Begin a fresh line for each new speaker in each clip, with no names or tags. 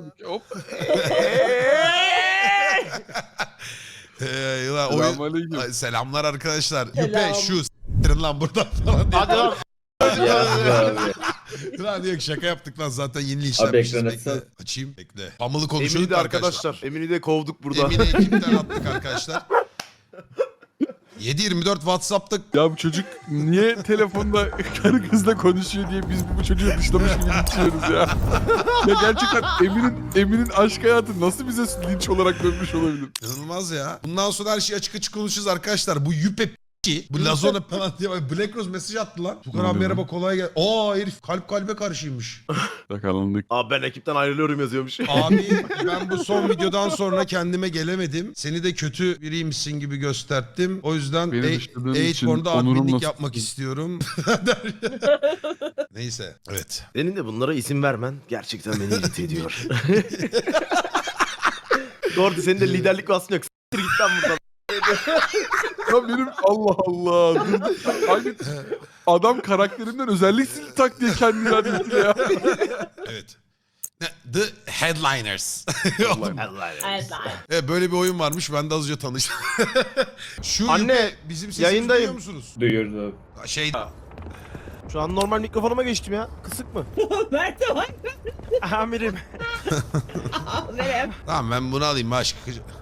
Hop.
Selamünaleyküm. Selamlar arkadaşlar. Yüpe şu s**tirin lan buradan falan diye.
Hadi lan.
Lan yok şaka yaptık lan zaten yeni
Abi
işlenmişiz.
ekran
Bekle.
açsana.
Açayım. Bekle. Pamulu konuşuyorduk
Emin'i de
arkadaşlar.
arkadaşlar. Emin'i de kovduk burada.
Emin'i ekipten attık arkadaşlar. 7/24 WhatsApp'ta
Ya bu çocuk niye telefonda karı kızla konuşuyor diye biz bu çocuğu dışlamış gibi düşünüyoruz ya. Ya gerçekten Emin'in aşk hayatı nasıl bize linç olarak dönmüş olabilir?
inanılmaz ya. Bundan sonra her şeyi açık açık konuşacağız arkadaşlar. Bu Yüpe bu Lazona falan diye Black Rose mesaj attı lan. Tukan abi merhaba kolay gel. Aa herif kalp kalbe karşıymış.
Yakalandık.
Abi ben ekipten ayrılıyorum yazıyormuş.
Abi ben bu son videodan sonra kendime gelemedim. Seni de kötü biriymişsin gibi gösterdim. O yüzden
Beni dışladığın için
8born'da
onurumla
adminlik
tuttum.
yapmak istiyorum. Neyse evet.
Senin de bunlara isim vermen gerçekten beni irite ediyor. Doğru senin de liderlik vasfın yok. S**tir git lan buradan.
Ya benim Allah Allah. Aynı adam karakterinden özellik sildi tak diye kendini adeti ya.
Evet. The Headliners. Oğlum,
Evet.
böyle bir oyun varmış. Ben de azıcık tanıştım. Şu
Anne,
Yüpe, bizim sesimizi
yayındayım.
duyuyor musunuz?
Duyuyoruz abi.
Şey
Şu an normal mikrofonuma geçtim ya. Kısık mı?
Mert var.
Amirim.
Merhaba.
tamam ben bunu alayım başka.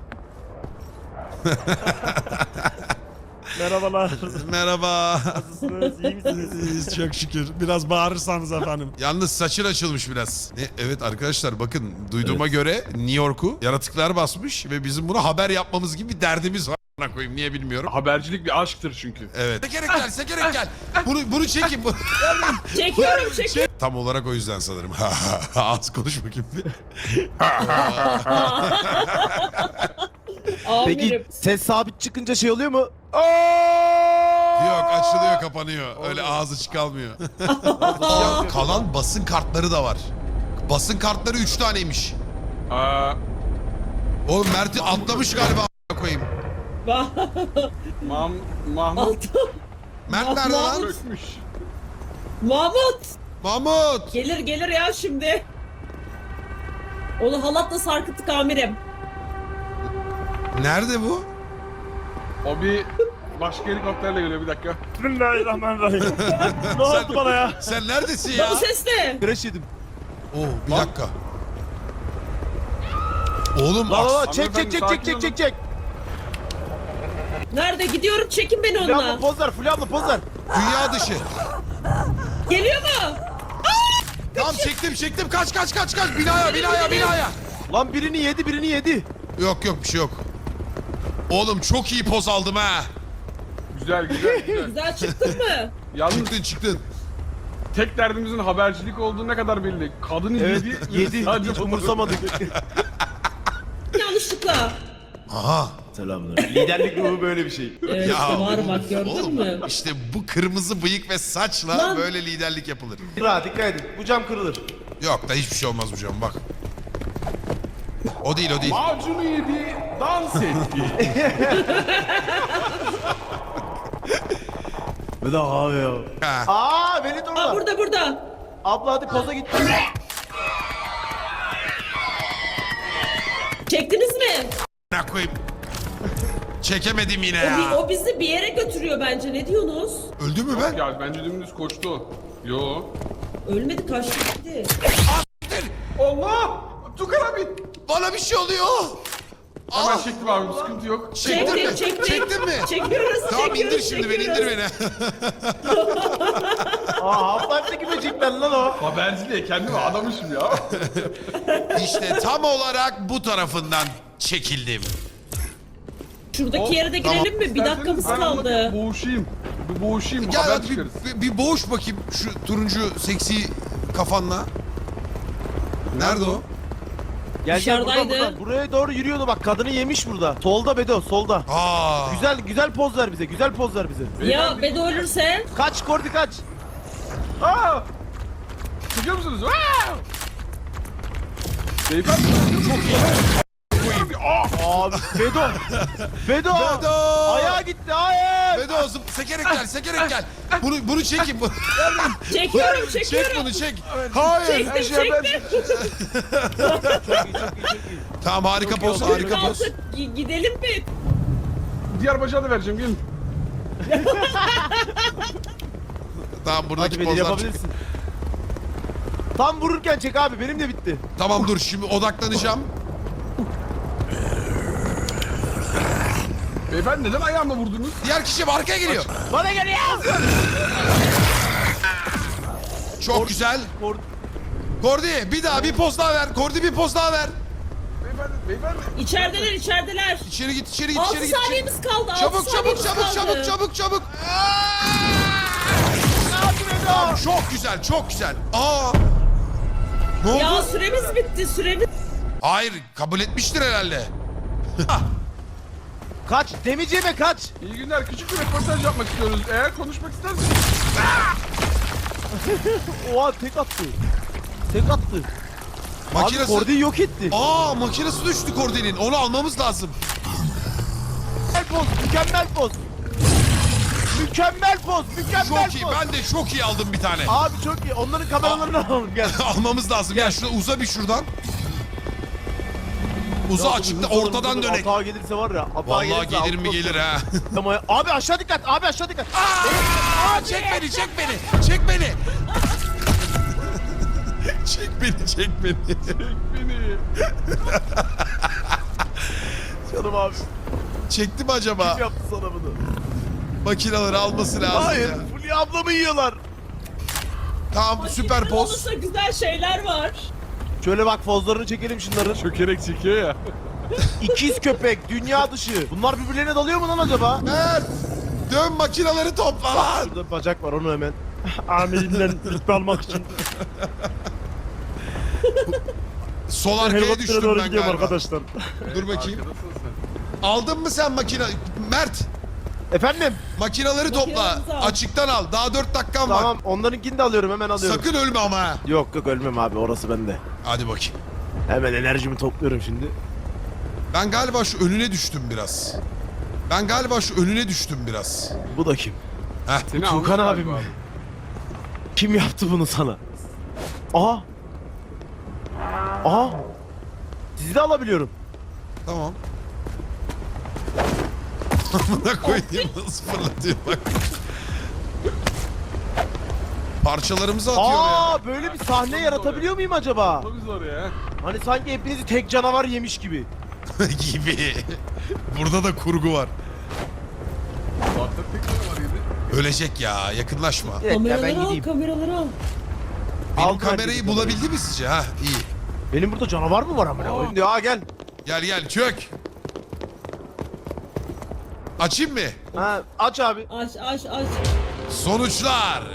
Merhabalar.
Merhaba.
Nasılsınız? İyi misiniz?
İyiyiz çok şükür. Biraz bağırırsanız efendim. Yalnız saçın açılmış biraz. Evet arkadaşlar bakın duyduğuma göre New York'u yaratıklar basmış ve bizim bunu haber yapmamız gibi bir derdimiz var. Koyayım niye bilmiyorum.
Habercilik bir aşktır çünkü.
Evet. Sekerek gel. Bunu çekin.
Çekiyorum.
Tam olarak o yüzden sanırım. Az konuş bakayım bir.
Peki
Amirim.
ses sabit çıkınca şey oluyor mu?
Yok açılıyor kapanıyor. Öyle ağzı çıkalmıyor. Kalan basın kartları da var. Basın kartları 3 taneymiş.
Aa,
Oğlum Mert'i atlamış galiba a**ına koyayım.
Mahmut
Mert nerede lan?
çökmüş.
Mahmut.
Mahmut.
Gelir ya şimdi. Onu halatla sarkıttık amirim.
Nerede bu?
O bir başka helikopterle geliyor bir dakika.
Bismillahirrahmanirrahim. Ne oldu bana ya?
Sen neredesin ya?
Bu ses ne?
Crash yedim.
Oo bir dakika. Oğlum
La la la
aks-
çek.
Nerede? Gidiyorum çekin beni
Fulya abla
onunla.
poz ver. Fulya abla poz ver.
dünya dışı.
Geliyor mu?
Tamam çektim. Kaç. Binaya.
Lan birini yedi.
Yok bir şey yok. Oğlum çok iyi poz aldım ha.
Güzel.
Güzel çıktın mı?
Yalnız
Çıktın.
tek derdimizin habercilik olduğu ne kadar belli. Kadını
Evet
yedi.
yedi. Hiç umursamadık.
Yanlışlıkla.
Aha.
Selamlar. Liderlik ruhu böyle bir şey.
Evet işte var bak gördün
oğlum,
mü?
İşte bu kırmızı bıyık ve saçla
Lan.
böyle liderlik yapılır.
Rahat dikkat edin. Bu cam kırılır.
Yok da hiçbir şey olmaz bu canım bak. O değil.
Macunu yedi, dans etti.
Bir de abi ya.
Ha.
Aa beni dur
Aa
orada.
burada.
Abla hadi poza git.
Çektiniz mi?
Ne koyayım? Çekemedim yine ya.
O bizi bir yere götürüyor bence. Ne diyorsunuz?
Öldü mü ben?
Ya bence dümdüz koştu o. Yo.
Ölmedi kaçtı gitti.
Allah! Tukan abi!
Bana bir şey oluyor.
Hemen çektim abi, bir sıkıntı yok.
Çektin mi? Çektin mi?
Çekiyoruz.
Tamam indir
çekiyoruz,
şimdi beni indir beni.
Aa Half-Life'deki böcekler lan o.
Haberciliğe kendimi adamışım ya.
İşte tam olarak bu tarafından çekildim.
Şuradaki yere de girelim mi? Bir dakikamız
Ben onunla
kaldı.
bir boğuşayım,
Gel
haber
hadi
çıkarız.
bir boğuş bakayım şu turuncu seksi kafanla. Nerede o?
Gel
Dışarıdaydı.
buradan. Buraya doğru yürüyordu bak kadını yemiş burada. Solda Bedo solda.
Aa.
Güzel poz ver bize.
Ya Bedo ölürse?
Kaç Kordi kaç.
Aa! Çıkıyor musunuz? Aa! Beyefendi çok iyi.
Abi Bedo.
Bedo!
Ayağa gitti hayır.
Bedo sekerek gel. Bunu çekin.
Çekiyorum.
Çek bunu çek. Hayır.
Çektim.
Tamam harika poz, harika poz.
Kalkıp gidelim mi?
Diğer bacağı da vereceğim gelin.
Tamam buradaki
Hadi beni
pozlar.
yapabilirsin. Tam vururken çek abi, benim de bitti.
Tamam dur şimdi odaklanacağım.
Beyefendi neden ayağımla vurdunuz?
Diğer kişi arkaya geliyor.
Bana geliyor.
Çok güzel. Kordi bir daha bir poz daha ver. Kordi bir poz daha ver.
Beyefendi.
İçerideler.
İçeri git, içeri git,
6
içeri git.
saniyemiz kaldı.
Çabuk çabuk çabuk. Çok güzel, çok güzel. Aa! Ne oldu?
Ya süremiz bitti, süremiz.
Hayır, kabul etmiştir herhalde.
Kaç, demeyeceğime kaç.
İyi günler. Küçük bir röportaj yapmak istiyoruz. Eğer konuşmak isterseniz.
Oha tek attı. Tek attı. Abi
Makinesi...
Kordi'yi yok etti.
Aa, makinesi düştü Kordi'nin. Onu almamız lazım.
Mükemmel poz, mükemmel poz. Mükemmel poz, mükemmel
Çok iyi.
poz.
Ben de çok iyi aldım bir tane.
Abi çok iyi. Onların kameralarını alalım gel.
Almamız lazım. Gel şurada uza bir şuradan. Uza açıkta ortadan dönek.
Hata gelirse var ya. Hata
Vallahi
gelirse
gelir mi
altına
gelir ha.
Ama abi aşağı dikkat, abi aşağı dikkat.
Aa, çek beni, çek beni. Çek beni. Çek beni, çek beni.
Beni.
Canım abi.
Çekti mi acaba?
Kim yaptı sana bunu?
Makineleri alması lazım
Hayır,
ya.
Fulya ablamı yiyorlar.
Tamam süper
Makine
poz.
olursa güzel şeyler var.
Şöyle bak pozlarını çekelim şunların.
Çökerek çekiyor ya.
İkiz köpek, dünya dışı. Bunlar birbirlerine dalıyor mu lan acaba?
Mert! Dön makineleri topla lan.
Şurada bacak var, onu hemen. Amirimden rütbe almak için.
Sol arkaya düştüm ben galiba.
arkadaşlar.
Dur bakayım.
Arkadasın sen.
Aldın mı sen makine? Mert!
Efendim?
Makineleri topla.
Makinelerimizi al.
Açıktan al. Daha 4 dakikan var.
Tamam, onlarınkini de alıyorum, hemen alıyorum.
Sakın ölme ama ha.
Yok yok, ölmem abi, orası bende.
Hadi bakayım.
Hemen enerjimi topluyorum şimdi.
Ben galiba şu önüne düştüm biraz.
Bu da kim?
Heh.
Seni
Tuğkan
almış
abim
galiba.
mi? Kim yaptı bunu sana? Aha! Aha! Sizi de alabiliyorum.
Tamam. Amına koyayım nasıl fırlatıyor bak. Parçalarımızı atıyor
Aa, böyle bir sahne yaratabiliyor muyum acaba?
Çok zor ya.
Hani sanki hepinizi tek canavar yemiş gibi.
ya. Gibi. Burada da kurgu var.
Zaten tek tane var yedi.
Ölecek ya yakınlaşma.
Bir dakika, ben
Kameraları al,
gideyim.
kameraları al.
Benim
Aldım
kamerayı
herkesi
bulabildi mi sizce? Ha iyi.
Benim burada canavar mı var amına koyayım? Ya gel.
Gel çök. Açayım mı?
Ha, aç abi.
Aç.
Sonuçlar.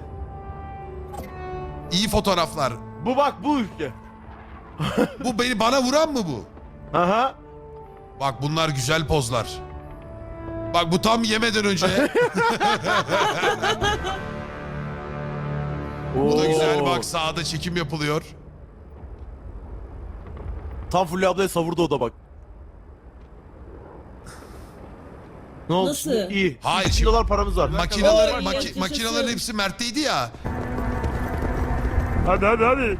İyi fotoğraflar.
Bu bak, bu ülke.
Bu bana vuran mı bu?
Aha.
Bak bunlar güzel pozlar. Bak bu tam yemeden önce. Bu da güzel
Oo.
bak sağda çekim yapılıyor.
Tam Fulya ablaya savurdu o da bak. Ne oldu
Nasıl?
şimdi? İyi.
Hayır,
2
şimdi-
dolar paramız var.
Makineler,
Oy, yaşasın.
makinelerin hepsi Mert'teydi ya.
Hadi.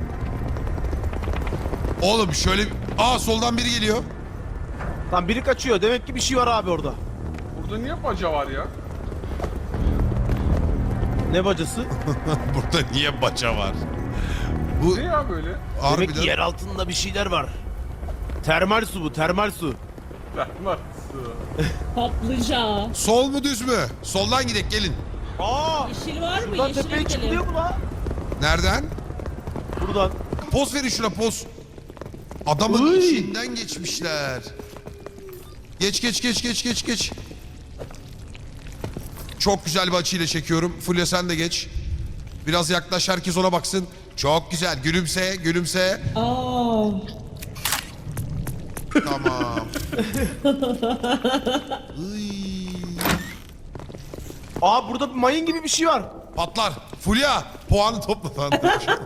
Oğlum şöyle... Aa soldan biri geliyor.
Tam biri kaçıyor. Demek ki bir şey var abi orada.
Burada niye baca var ya?
Ne bacası?
Burada niye baca var? Bu
Ne ya böyle?
Demek
harbiden...
ki yer altında bir şeyler var. Termal su bu, termal su.
Var.
Patlıcan.
Sol mu düz mü? Soldan gidek gelin.
Aa!
Yeşil var mı?
Buradan
Yeşile
tepeye
gidelim.
çıkılıyor mu lan?
Nereden?
Buradan.
Poz verin şuna poz. Adamın
Uy.
içinden geçmişler. Geç. Çok güzel bir açıyla çekiyorum. Fulya sen de geç. Biraz yaklaş herkes ona baksın. Çok güzel. Gülümse.
Aa.
Tamam. Iy.
Aa, burada bir mayın gibi bir şey var.
Patlar. Fulya puanı topla lan.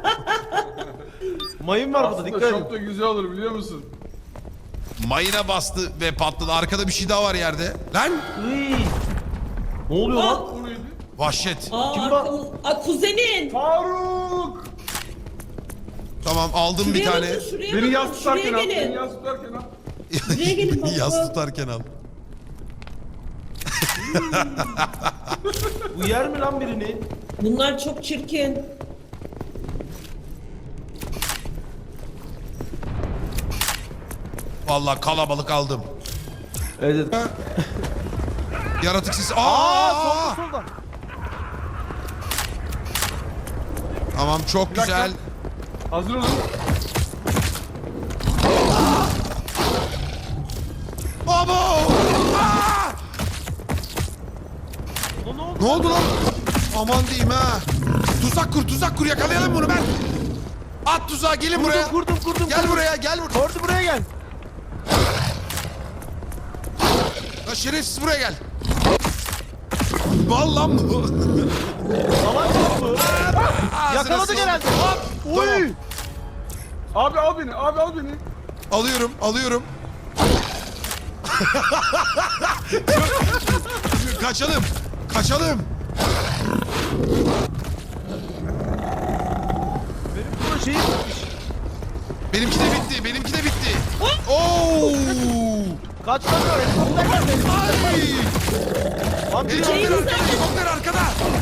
Mayın var burada,
Aslında
dikkat
çok
edin.
da güzel olur biliyor musun?
Mayına bastı ve patladı. Arkada bir şey daha var yerde. Lan.
Iy. Ne oluyor
Aa.
lan?
O neydi?
Vahşet.
Aa,
Kim
arkamız... Aa, kuzenin.
Faruk!
Tamam aldım bir
Şuraya
tane.
bakın, şuraya
Beni
bakın,
yas tutarken
şuraya
al. Beni
gelin.
yas tutarken al.
Buraya gelin baba.
Yas tutarken al.
Bu yer mi lan birini?
Bunlar çok çirkin.
Vallahi kalabalık aldım.
Evet.
Yaratık sesi.
Aa, solda.
Tamam çok
dakika.
güzel.
Hazır olun.
Abo! Aa!
Ne oldu?
Ne oldu lan? Aman diyeyim ha. Tuzak kur yakalayalım bunu ben. At tuzağı gelin buraya.
Kurdum.
Gel buraya gel buraya.
Kordi buraya gel.
Lan şerefsiz buraya gel. Vallahi bu.
Salak bu.
Ağzına
Yakaladık
sağlık.
herhalde.
Hop.
Oy.
Abi al beni. Abi al beni.
Alıyorum. Kaçalım.
Benim bu şeyim bitmiş.
Benimki de bitti. Oo!
Kaçlamıyor. Helikopter geldi.
Ay!
Lan biri
Helikopter arkada.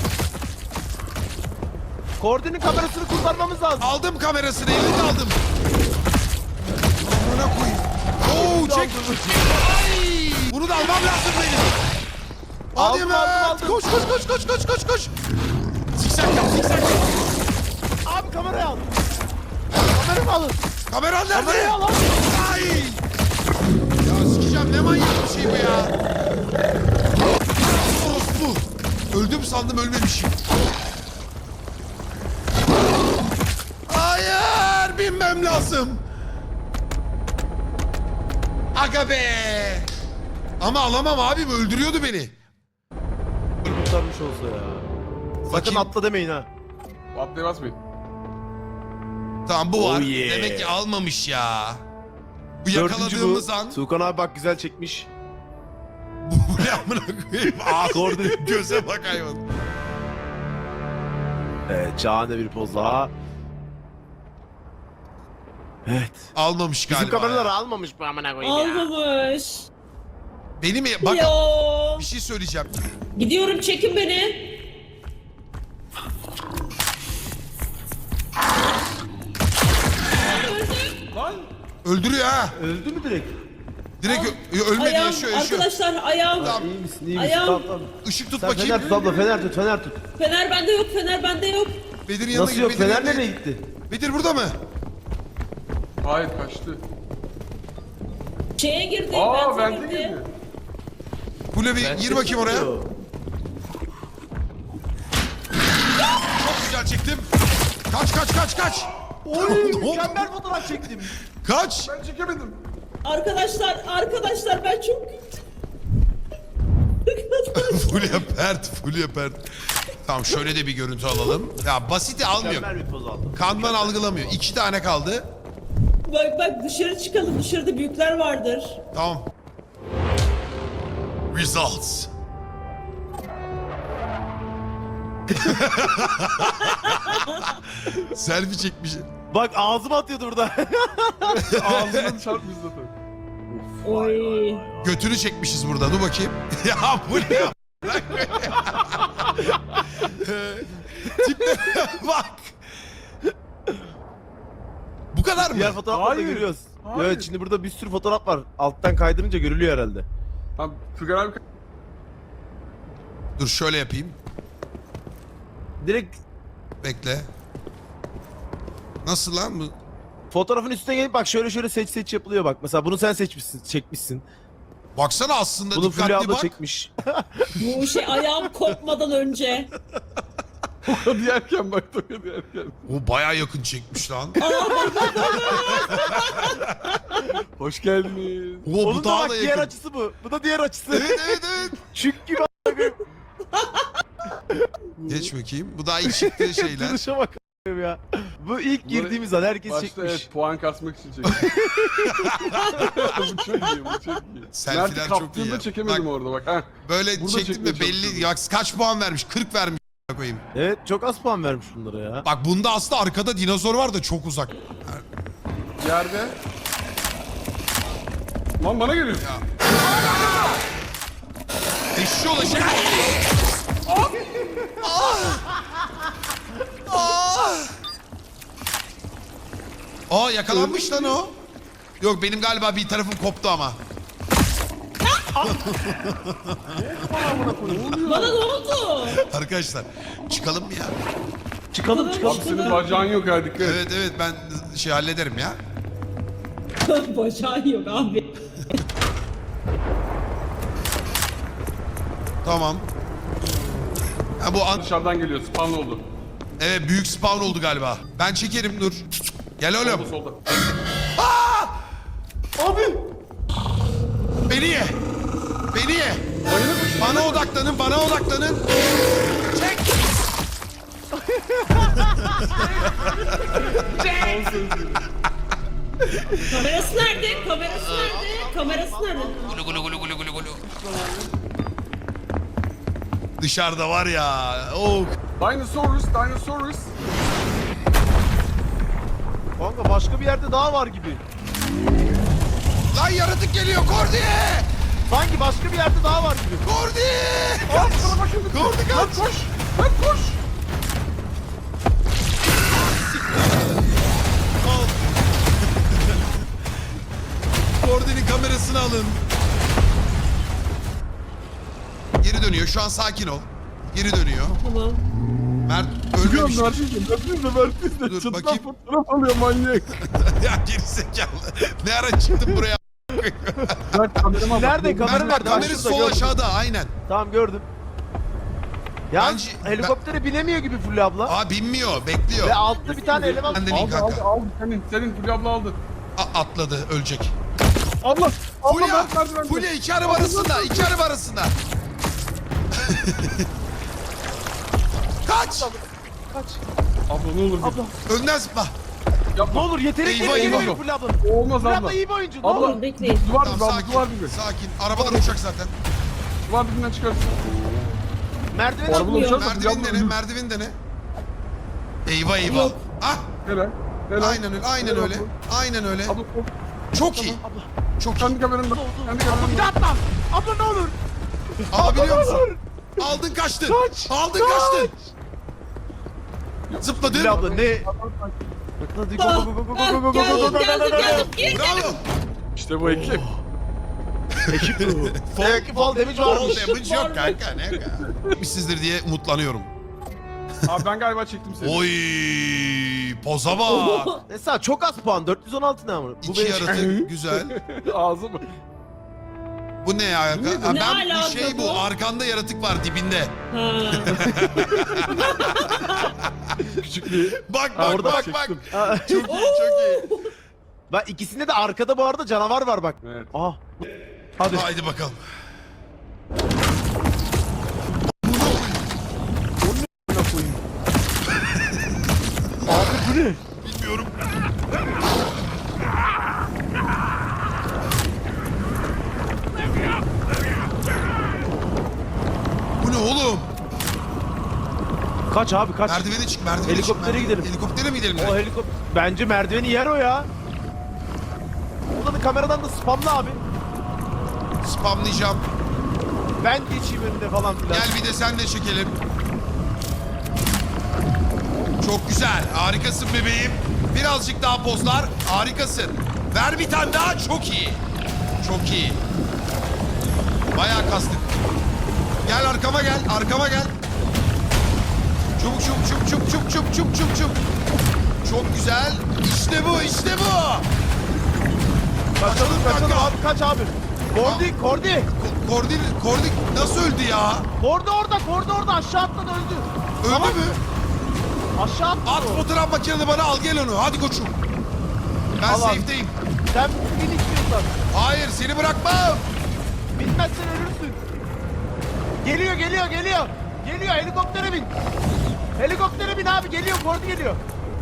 Kordi'nin kamerasını kurtarmamız lazım.
Aldım kamerasını, elini de aldım. Amına koyayım. Oo, çek. Ay! Bunu da almam lazım benim. Hadi
Aldım,
Mert.
aldım.
Koş. Zikzak yap.
Abi kamerayı al. Kameramı alın.
Kameran nerede?
Kamerayı al abi.
Ay! Ya sikeceğim, ne manyak bir şey bu ya. Orospu. Öldüm sandım, ölmemişim. Hayır, binmem lazım. Aga be. Ama alamam abim, öldürüyordu beni.
Kurtarmış olsa ya. Sakın
Bakayım.
atla demeyin ha.
Atlaya basmayın.
Tamam bu var.
Oh yeah.
Demek ki almamış ya. Bu
Dördüncü
yakaladığımız
bu.
an.
Tuğkan abi bak güzel çekmiş.
Bu ne amına koyayım? Ağzı,
Kordi.
göze bak hayvan.
Evet, şahane bir poz daha. Evet.
Almamış galiba.
Bizim kameraları
ya.
almamış bu amına koyayım ya.
Almamış.
Benim bak
Yo.
bir şey söyleyeceğim.
Gidiyorum, çekin beni.
Lan.
Öldürüyor ha.
Öldü mü direkt?
Direkt ölmedi,
Ayağım,
yaşıyor.
arkadaşlar ayağım.
Tamam.
İyi misin? İyi misin?
Ayağım.
Tamam, tamam.
Işık tut
Sen
bakayım.
fener tut abla, fener tut.
Fener bende yok, fener bende yok.
Bedir'in yanına
Nasıl
git.
yok?
Bedir'in
Fener
yanına
nereye
git.
gitti?
Bedir burada mı?
Hayır kaçtı.
Şeye girdi,
Aa
bende
bende
girdi.
girdi.
Kule bir gir bakayım oraya. Çok güzel çektim. Kaç.
Oy,
Ne oldu?
mükemmel fotoğraf çektim.
Kaç.
Ben çekemedim.
Arkadaşlar ben çok
Fulya pert. Tamam şöyle de bir görüntü alalım. Ya basiti almıyor.
Mükemmel bir poz aldım.
Kanman algılamıyor. 2 tane kaldı.
bak dışarı çıkalım, dışarıda büyükler vardır.
Tamam. Results. Selfie çekmiş.
Bak ağzıma atıyordu burada.
Ağzından çarpmış zaten.
Oy.
Götünü çekmişiz burada. Dur bakayım. Ya bu ne ya? Tipe bak. Bu kadar mı?
Diğer fotoğrafları da
Hayır.
görüyoruz.
Hayır.
Evet, şimdi burada bir sürü fotoğraf var. Alttan kaydırınca görülüyor herhalde.
Tamam Tugan abi
Dur şöyle yapayım.
Direkt
Bekle. Nasıl lan bu?
fotoğrafın üstüne gelip bak şöyle seç yapılıyor bak. Mesela bunu sen çekmişsin.
Baksana aslında
Bunu Fulya
dikkatli
abla
bak.
çekmiş.
Bu şey ayağım kopmadan önce.
Toka diyerken bak Toka diyerken.
O bayağı yakın çekmiş lan.
Hoş geldiniz.
O bu
Onun da
daha
bak
da
diğer
yakın.
açısı bu. Bu da diğer açısı.
Evet.
Çük gibi
Geç bakayım. Bu daha iyi çıktığı şeyler.
duruşa bak ya. Bu ilk
Bunları
girdiğimiz an herkes
Başta
çekmiş.
evet puan kasmak için çektim. Bu çok iyi, bu çok iyi.
Selfie'ler
Mert'i
çok iyi
kaptığında
ya.
çekemedim
Bak,
orada bak. Ha.
Böyle
Burada
çektim de
çekmeye
belli.
çalışıyorum.
Ya kaç puan vermiş? 40 vermiş koyayım.
Evet çok az puan vermiş bunlara ya.
Bak bunda aslında arkada dinozor var da çok uzak.
Yerde. Lan bana geliyor.
Eşşoğlu şey. Aa yakalanmış lan o. Yok benim galiba bir tarafım koptu ama.
Bana ne oldu?
Arkadaşlar çıkalım mı ya?
Çıkalım
Abi
çıkalım.
senin bacağın yok ha dikkat et.
Evet evet ben şey hallederim ya.
Bacağın yok abi.
Tamam. Ha bu an...
Dışarıdan geliyor spawn oldu.
Evet büyük spawn oldu galiba. Ben çekerim dur. Gel
Solda
oğlum.
solda.
Abi.
Beni ye. Beni ye. Bana odaklanın, bana odaklanın. Çek.
Kamerası nerede? Kamerası nerede? Kamerası nerede?
Gulu gulu gulu gulu gulu gulu. Dışarıda var ya. Oh.
Dinosaurus, Dinosaurus.
Kanka başka bir yerde daha var gibi.
Lan yaratık geliyor Kordi.
Sanki başka bir yerde daha var gibi.
Kordi.
Aa sana bakın.
Kordi kaç.
Lan koş. Lan koş.
Kordi'nin kamerasını alın. Geri dönüyor. Şu an sakin ol. Geri dönüyor.
Tamam.
Mert
Çıkıyorum
ölmemiştir.
Mert'in
Dur,
Çatıdan
bakayım.
fotoğraf alıyor manyak.
Ya gerizekalı. Ne ara çıktın buraya?
Mert kamerama bak.
Nerede kamera nerede?
Kamera
Şurada,
sol
gördüm.
aşağıda aynen.
Tamam gördüm. Ya
Bence-
helikoptere binemiyor gibi Fulya abla.
Aa binmiyor, bekliyor.
Ve altta bir tane eleman.
Ben de bin
Aldı
kanka.
aldı senin Fulya abla aldı.
Atladı, ölecek.
Abla
Fulya,
Mert merdivende.
Fulya iki araba arasında, iki araba arasında. Kaç!
Kaç.
Abla ne olur git.
Abla.
Önden zıpla.
Ne
Yapma.
olur yetenekli
Eyvah,
geliyor
eyvah.
Fulya abla.
Olmaz
Fulya
abla.
abla iyi bir oyuncu. Ne
Abla.
olur.
Bekleyin.
Duvar
Tamam
dibi abla
sakin,
duvar dibi.
sakin. Arabadan uçak zaten.
Duvar dibinden çıkarsın.
Merdiven
Arabadan
atlıyor.
uçarsa
Merdiven
Fulya abla
dene,
ölür.
merdiven dene. Eyvah eyvah.
Yok.
Ah,
Helal. Helal.
aynen öyle, aynen
Helal
öyle.
abla.
Aynen öyle.
Abla kork.
Çok iyi.
Abla.
Çok iyi.
Kendi kameranda. Kendi
Bir
kameranda.
daha atla. Abla ne olur.
Aa biliyor musun? Aldın kaçtın.
Kaç,
Aldın
kaç.
kaçtın. Zıpladın.
Fulya abla ne? Hadi go go go go go go go go go go.
Geldim.
Bravo.
İşte bu ekip.
Belki fall damage
Fall
varmış.
damage yok kanka ne kanka. Sizdir diye umutlanıyorum.
Abi ben galiba çektim seni.
Oy poza bak.
Mesela çok az puan. 416 ne ama? Bu
İki
benim-
yaratık güzel.
Ağzı mı?
Bu ne ya? Ha,
Ne
ben bu
alaka
şey bu
bu?
arkanda yaratık var dibinde.
Ha.
Küçük bir...
Bak
Ha,
bak
orada
bak
çektim.
bak. Çok iyi çok iyi.
Bak ikisinde de arkada bu arada canavar var bak.
Evet.
Aha. Hadi.
Haydi bakalım.
Abi bu ne?
Bilmiyorum. Bu ne oğlum?
Kaç abi kaç.
Merdivene çık, merdivene
Helikoptere
çık.
gidelim.
Helikoptere mi gidelim?
O
direkt?
helikopter. Bence merdiveni yer o ya. Buradan da kameradan da spamla abi.
Spamlayacağım.
Ben geçeyim önünde falan filan.
Gel bir de sen de çekelim. Çok güzel. Harikasın bebeğim. Birazcık daha pozlar. Harikasın. Ver bir tane daha. Çok iyi. Çok iyi. Bayağı kastık. Gel arkama gel. Arkama gel. Çabuk çabuk çabuk çabuk çabuk çabuk çabuk çabuk çabuk. Çok güzel. İşte bu. İşte bu.
Kaçalım kaçalım
kanka.
abi kaç abi. Kordi Kordi.
Kordi nasıl öldü ya?
Kordi orada aşağı atladı öldü.
Öldü
Tamam.
mü?
Aşağı atladı.
At
o.
fotoğraf makineni bana al gel onu. Hadi koçum. Ben
Al abi.
safe'deyim.
Sen bin istiyorsan.
Hayır seni bırakmam.
Bilmezsen ölürsün. Geliyor Geliyor helikoptere bin. Helikoptere bin abi geliyor Kordi geliyor.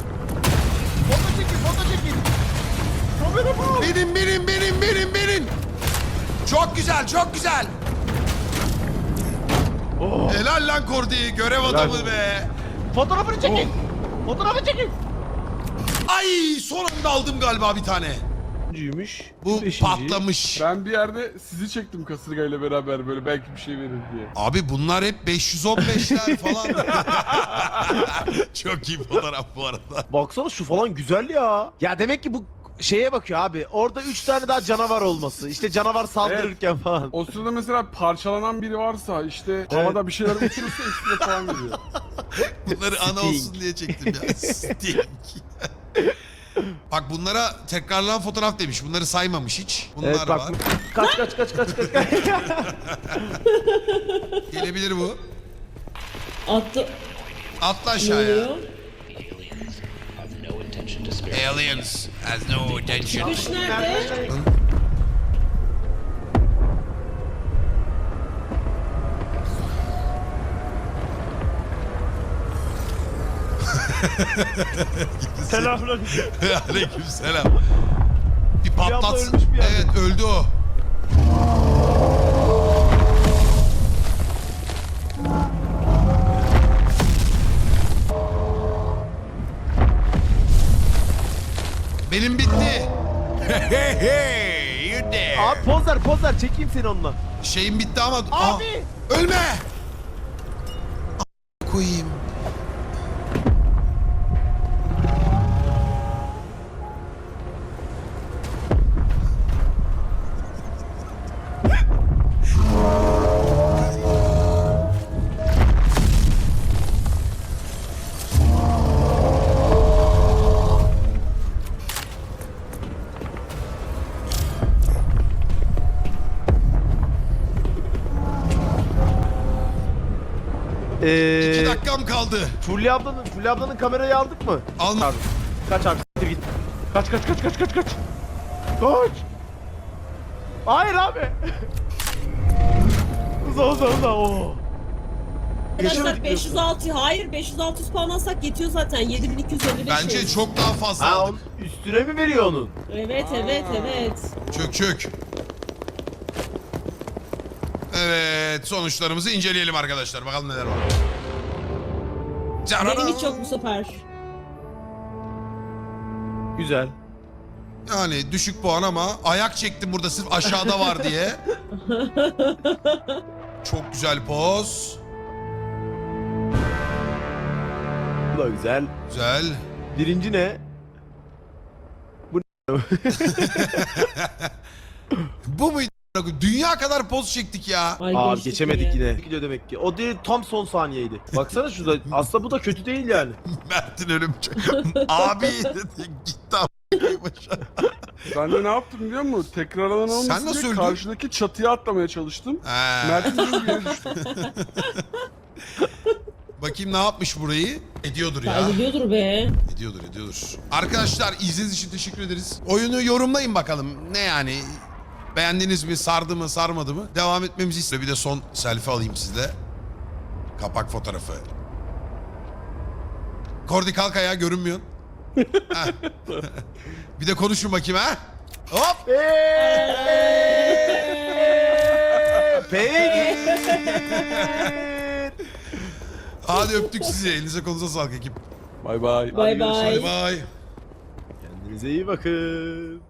Foto çekin. Kamera bu.
Benim. Çok güzel, çok güzel.
Oh.
Helal lan Kordi. Görev adamı be.
Fotoğrafını çekin. Fotoğrafı çekin.
Ay son anda aldım galiba bir tane.
Üçüncüymüş.
Bu
Beşinci.
patlamış.
Ben bir yerde sizi çektim kasırgayla beraber böyle belki bir şey verir diye.
Abi bunlar hep 515'ler falan. Çok iyi fotoğraf bu arada.
Baksana şu falan güzel ya. Ya demek ki bu şeye bakıyor abi. Orada 3 tane daha canavar olması. İşte canavar saldırırken falan.
O sırada mesela parçalanan biri varsa işte havada bir şeyler uçurursa ekstra falan veriyor.
Bunları ana
Sting.
olsun diye çektim ya. Sting. Bak bunlara tekrarlanan fotoğraf demiş. Bunları saymamış hiç. Bunlar
Evet bak.
var.
Kaç.
Gelebilir bu.
Attı.
Atla
Ne
aşağıya.
oluyor?
Aliens has no attention.
Çıkış nerede?
Selamünaleyküm.
Aleykümselam. Bir
abla
patlat.
ölmüş bir yerde.
Evet öldü o. Benim bitti. Hey hey you there.
Abi poz ver çekeyim seni onunla.
Şeyim bitti ama...
Abi!
Aa, ölme! Koyayım.
Ee,
2 dakikam kaldı.
Fulya ablanın kamerayı aldık mı?
Alma.
Abi. Kaç abi siktir git. Kaç. Kaç. Hayır abi. Uza. Oo.
Arkadaşlar 506 hayır 506 spawn alsak yetiyor zaten 7255.
Bence çok daha fazla
Ha
aldık.
onun üstüne mi veriyor onun?
Evet.
Çök. Evet sonuçlarımızı inceleyelim arkadaşlar. Bakalım neler var.
Benim hiç yok bu sefer.
Güzel.
Yani düşük puan ama ayak çektim burada sırf aşağıda var diye. Çok güzel poz.
Bu da güzel.
Güzel.
Birinci ne?
Bu muydu? Dünya kadar poz çektik ya.
Ay,
Abi
geçtik
geçemedik yine. Gidiyor demek ki. O değil tam son saniyeydi. Baksana şurada. Aslında bu da kötü değil yani.
Mert'in ölüm çok. Abi dedi, gitti a**ayım aşağı.
Ben de ne yaptım biliyor musun? Tekrarlanan
Sen
olmasın
nasıl
diye
öldün?
karşıdaki çatıya atlamaya çalıştım.
He.
Mert'in bir yere düştüm.
Bakayım ne yapmış burayı? Ediyordur ya.
Kaybediyordur be.
Ediyordur. Arkadaşlar izlediğiniz için teşekkür ederiz. Oyunu yorumlayın bakalım. Ne yani? Beğendiniz mi? Sardı mı? Sarmadı mı? Devam etmemizi istiyor. Bir de son selfie alayım sizle. Kapak fotoğrafı. Kordi kalk ayağa görünmüyorsun. Heh. Bir de konuşun bakayım ha. Hop.
Peki.
Hadi öptük sizi. Elinize kolunuza sağlık ekip.
Bay bay.
Bay
Hadi
bay.
bay.
Kendinize iyi bakın.